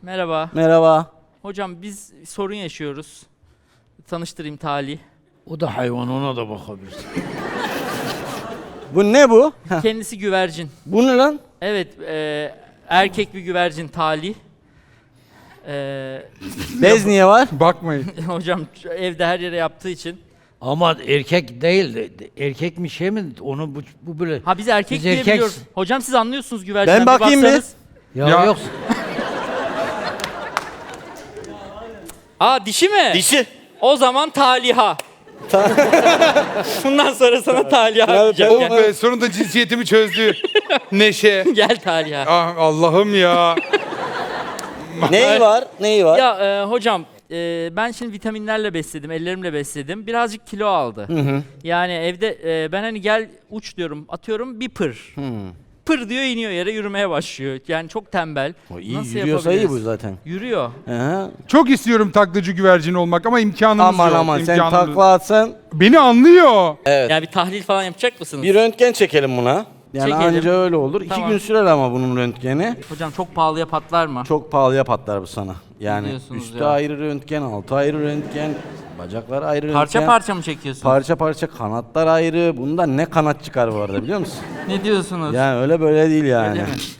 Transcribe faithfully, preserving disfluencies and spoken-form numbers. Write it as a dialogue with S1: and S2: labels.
S1: Merhaba.
S2: Merhaba.
S1: Hocam biz sorun yaşıyoruz. Tanıştırayım Talih.
S3: O da hayvan, ona da bakabilirsin.
S2: Bu ne bu? Heh.
S1: Kendisi güvercin.
S2: Bu ne lan?
S1: Evet, e, erkek bir güvercin Talih. E,
S2: Bez niye var?
S4: Bakmayın.
S1: hocam şu evde her yere yaptığı için.
S3: Ama erkek değil, de- de- erkek mi şey mi? Onu bu, bu böyle.
S1: Ha biz erkek
S3: Biz
S1: diye
S3: erkek-
S1: biliyoruz. Hocam siz anlıyorsunuz güvercinden.
S2: Ben bakayım bir.
S1: baksanız.
S3: Ya,
S4: Ya-
S3: yok.
S1: Aa dişi mi?
S2: Dişi.
S1: O zaman Taliha. Bundan sonra sana Taliha
S2: Ya,
S1: diyeceğim.
S4: Oh
S1: Gel,
S4: be, sonunda cinsiyetimi çözdü. Neşe.
S1: gel Taliha.
S4: Ah Allah'ım ya.
S2: Neyi var? Neyi var?
S1: Ya e, hocam e, ben şimdi vitaminlerle besledim, ellerimle besledim. Birazcık kilo aldı. Yani evde e, ben hani gel uç diyorum, atıyorum bir pır. Pır diyor iniyor yere yürümeye başlıyor. Yani çok tembel.
S2: O iyi
S1: Nasıl
S2: yürüyorsa iyi bu
S1: yapabiliriz?
S2: zaten.
S1: Yürüyor.
S2: Aha.
S4: Çok istiyorum taklacı güvercin olmak ama imkanımız
S2: Aman
S4: yok.
S2: aman sen
S4: imkanımız-
S2: takla atsan.
S4: Beni anlıyor.
S2: Evet.
S1: Yani bir tahlil falan yapacak mısınız?
S2: Bir röntgen çekelim buna. Yani
S1: Çekelim.
S2: anca öyle olur. İki
S1: Tamam.
S2: gün sürer ama bunun röntgeni.
S1: Hocam çok pahalıya patlar mı?
S2: Çok pahalıya patlar bu sana. Yani
S1: diyorsunuz
S2: üstü
S1: ya?
S2: ayrı röntgen, altı ayrı röntgen, bacaklar ayrı
S1: Parça
S2: röntgen.
S1: parça mı çekiyorsun?
S2: Parça parça kanatlar ayrı. Bundan ne kanat çıkar bu arada biliyor musun?
S1: Ne diyorsunuz?
S2: Yani öyle böyle değil yani.
S1: Öyle mi?